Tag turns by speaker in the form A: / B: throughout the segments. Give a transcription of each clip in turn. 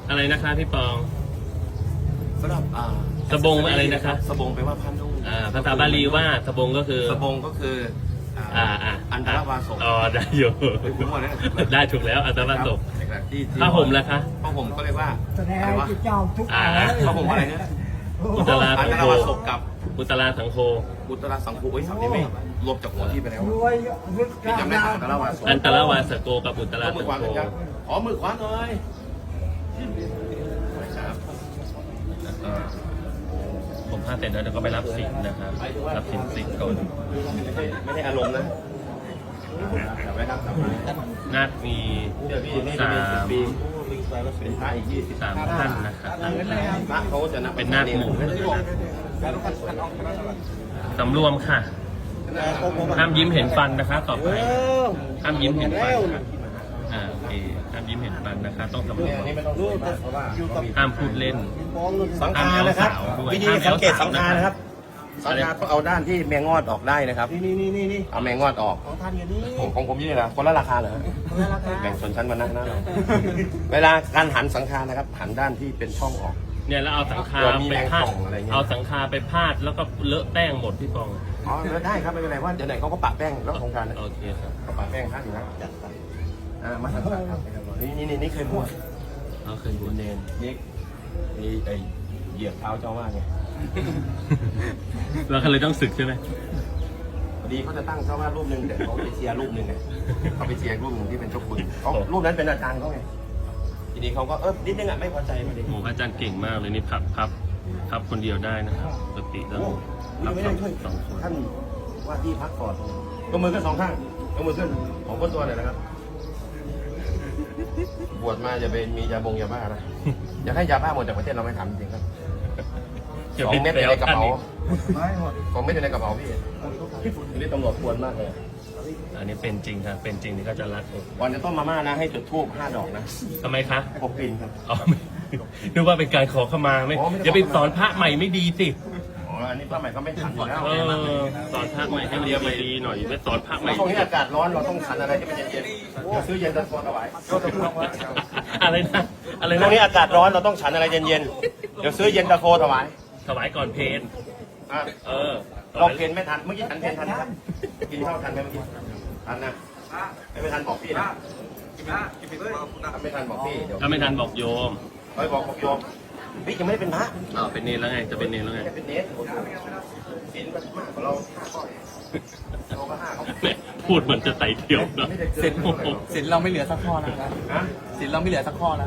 A: อะไรนะคะพี่ปอง
B: สำหรับ
A: สบงอะไรนะคะ
B: สบงแปลว่าผ้านุ่ง
A: ภาษาบาลีว่าสบงก็คือ
B: สบงก็คืออันตรวาสก
A: อ๋อได้อยู่
B: ผมว่าเนี่ย
A: ได้ถูกแล้วอันตรวาสก
B: ที่
A: ผ้าห่มล่ะคะ
B: ผ้าห่มก็เรียกว่า
C: แสดง
B: อะไรวะ
C: ที่เจ้าทุก
B: ผ้าห่มอะไรเนี่ย
A: อุตรา
B: อัน
A: สัง
B: ต
A: โฆ
B: รวาสกกับ
A: อุตราสังโฆ
B: อุตราสังคูศัพท์นี้ไม่รวมจากหัวที่ไปแล้ว
C: รวยรึก
B: พี่จำได้อันตรวาสก
A: อันตรวาสโกกับอุตรา
B: มื
A: สั
B: อง ขวา
A: โฆ
B: หน่อยครับขอมือขวาหน่อยครับ
A: ผมผ้าเสร็จแล้วเดี๋ยวก็ไปรับสินนะครับรับสินก่อน
B: ไม่ใช่อารมณ์นะจับไว้ครับจับไว้
A: นาคมี
B: เดี๋ยวพี่นี่
A: สา
B: จะมี
A: ม
B: ปีเป็นพระอีก20
A: สามท่านนะครับ
B: พระเขาจะนับ
A: เป็นนาคหมู่สำรวมค่ะ ห้ามยิ้มเห็นฟันนะคะต่อไปห้ามยิ้มเห็นฟันค่ะโอเคห้ามยิ้มเห็นฟันนะคะต้องสำรวม
B: นี่ไม่ต้องรู้มากเพราะว่า
A: ห้ามพูดเล่น
B: สังฆานะครับวิธีสังเกตสังฆานะครับสังฆาต้องเอาด้านที่แมงงอดออกได้นะครับนี่เอาแมงงอดออก
C: ของท่านอยู่นี่
B: ของผมนี่นะคนละราคาเหรอแบ่งชนชั้นมานั่งนะเวลาการหันสังฆานะครับหันด้านที่เป็นช่องออก
A: เนี่ยแล้วเอาสังคา
B: มี
A: ไป
B: แมง
A: พาด
B: ป่องอะไรเงี้ย
A: เอาสังคาไปพาดแล้วก็เลอะแป้งหมดพี่ปอง
B: อ๋อได้ครับไม่เป็นไรว่าเดี๋ยวไหนเขาก็ปะแป้งแล้วโครงการนะ
A: โอเคครับ
B: เขาปะแป้งข้างอยู่นะจัดไปมาสังฆาครับนี่เคยบวช
A: เอาเคยบวช
B: เนนนี่ไอเหยียบเท้าเจ้าว่าไง
A: แล้วเขาเลยต้องศึกใช่ไหม
B: พอดีเขาจะตั้งเจ้าว่ารูปหนึ่งแต่เขาไปเชียร์รูปหนึ่งไงเขาไปเชียร์รูปหนึ่งที่เป็นเจ้าคุณเขารูปนั้นเป็นอาจารย์เขาไงทีนี้เขาก็นิดนึงอ่ะไม่พอใจมาดิ
A: โอ้อาจารย์เก่งมากเลยนี่พับคนเดียวได้นะครับปกติต้องพับ
B: ไม่ได้ช่วย
A: สองคน
B: ท่านว่าที่พักก่อนยกมือขึ้นสองข้างยกมือขึ้นของก้นตัวหน่อยนะครับบวชมาจะเป็นมียาบงยาบ้านะอยากให้ยาบ้าหมดจากประเทศเราไม่ทำจริงครับ 2 เม็ดอยู่ในกระเป๋า
C: ไม่หมด
B: 2 เม็ดอยู่ในกระเป๋าพี่นี่ตำรวจควรมากเลย
A: อันนี้เป็นจริงครับเป็นจริงนี่ก็จะรักผม
B: ก่อนจะต้มมาม่านะให้จุดธูป5 ดอกนะ
A: ทำไมคะ
B: พกกลิ่นครับ
A: อ๋อไม่นึกว่าเป็นการขอขมาไม่
B: อ๋อไม่ได้
A: อย่าไปสอนพระใหม่ไม่ดีสิ
B: อ๋ออันนี้ป้าใหม่ก็ไม่ทันอยู่แล้ว
A: สอนพระใหม่ให้มันดีๆหน่อยไม่สอนพระใหม่
B: แล้วช่วงนี้อากาศร้อนเราต้องฉันอะไรที่มันเย็นๆซื้อเย็นตาโฟถวาย
A: อะไรนะอะไร
B: ช่ว
A: นะ
B: งนี้อากาศร้อนเราต้องฉันอะไรเย็นๆเดี๋ยวซื้อเย็นตาโฟถวาย
A: ถวายก่อนเพลน
B: อ่ะ
A: เออ
B: ลองเพนไม่ทันเมื่อกี้ฉันเพนทันนะครับกินข้าวทันไหมเมื่อกี้ทันนะไม่ทันบอกพี่นะไม่ทันบอกพี่เดี๋ยว
A: ถ้าไม่ทันบอกโยม
B: ไปบอกโยมพี่ยังไม่ได้เป็นพระ
A: เป็นเนรแล้วไงจะเป็นเนรแล้วไง
B: แค่เป็นเนสศีลมันมากกว่าเรา5 ข้อเราก็5 เขา
A: แหมพูดเหมือนจะไต่เที่ยวเนาะ
B: ไม่ได้เกิ
D: สิ
B: น
D: นสินเราไม่เหลือสักข้อแล้วครับ
B: ฮะ
D: สินเราไม่เหลือสักข้อแล้ว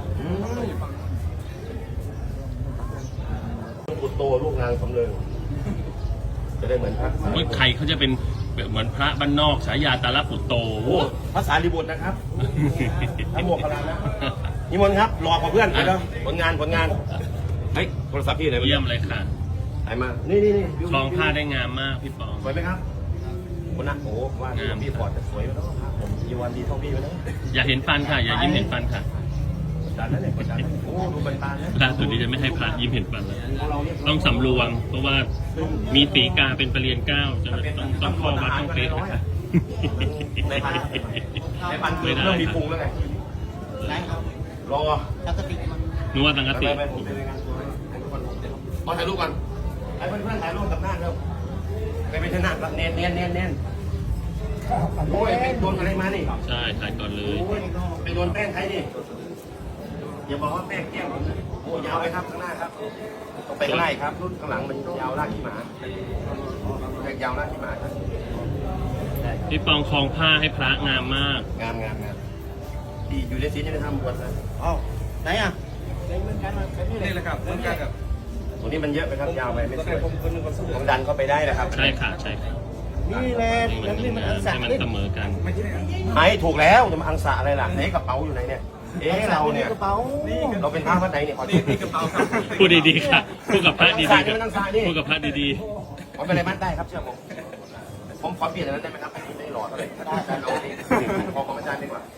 B: บุตรโตลูกนางสำเริงจะได้เหมือนพระ
A: นี่ใครเขาจะเป็นแบบเหมือนพระบ้านนอกฉายาตาลปุตโต
B: โอ้ภาษาลิบุตรนะครับทั้งหมวกกระลานะนิมนต์ครับรอกว่าเพื่อนไปแล้วผลงานเฮ้ยโทรศัพท์พี่ไหน
A: เยี่ยมเลยค่ะ
B: ไหนมานี่
A: คลองผ้าได้งามมากพี่ปอง
B: สวยไหมครับคนนะโอ้ว่าพี่พอร์ตจะสวยไหมเนาะผมยีวันดีเท่าพี่ไหมเนาะ
A: อย่าเห็นฟันค่ะ อย่ายิ้มเห็นฟันค่ะ
B: ดันนั่นเนี่ยกดดันโอ้ดูบันตานะ
A: ล่าสุดนี้จะไม่ให้พระยิ้มเห็นฟันแล้ว
B: เราเรียบร้
A: ต้
B: อ
A: อย งสำรวม เพราะว่ามีสีกาเป็นประเรียนเก้าจะต้องข้อวัดต้องเป๊ะนะคะ
B: ในพันคือเริ่มมีพุงแล้วไงรอ
A: นึกว่าสังกะสี
B: ผมเป็นงานตัวมาถ่ายรูปกันไอ้เพื่อนๆถ่ายรูปกับหน้าเร็วไม่ใช่หน้าเน้นโอ้ยไปโดนอะไรมานี่
A: ใช่ถ่ายก่อนเลย
B: โอ้ยไปโดนแป้งใครนี่อย่าบอกว่าแป้งแก้มผมนะโอ้ยาวไปครับข้างหน้าครับต้องไปข้างหน้าครับรุ่นข้างหลังมันยาวลากขี้หมาเรียกยาวลากขี้หมาครับ
A: พี่ปองคลองผ้าให้พระงามมาก
B: งามดีอยู่ในศีลยังไม่ทำบวชเลยอ้าวไหนอ่ะ
D: นี่แหละครับเหมือนกันกับ
B: ตรงนี้มันเยอะไปครับยาวไปไม่สวยผมดันเข้าไปได้นะครับ
A: ใช่ค่ะใช่ค่ะ
C: นี่แหละ
A: ให้มันงามให้มันเสมอกัน
B: ไอ้ถูกแล้วจะมาอังสะอะไรล่ะไหนกระเป๋าอยู่ไหนเนี่ยเราเนี่ย
C: กระเป๋า
B: เราเป็นพระวัดไหนเนี่ยขอ
D: นี่กระเป๋าครับ
A: พูดดีๆค่ะพูดกับพระดี
B: อังสะนี่มันอังสะนี่
A: ๆพูดกับพระดี
B: ผมเป็นอะไรมัดได้ครับเชื่อผมขอเปลี่ยนอันนั้นได้ไหมครับอันนี้ไม่หล่อเท่าไหร่อาจารย์เอาดิขอของอาจารย์ดีกว่า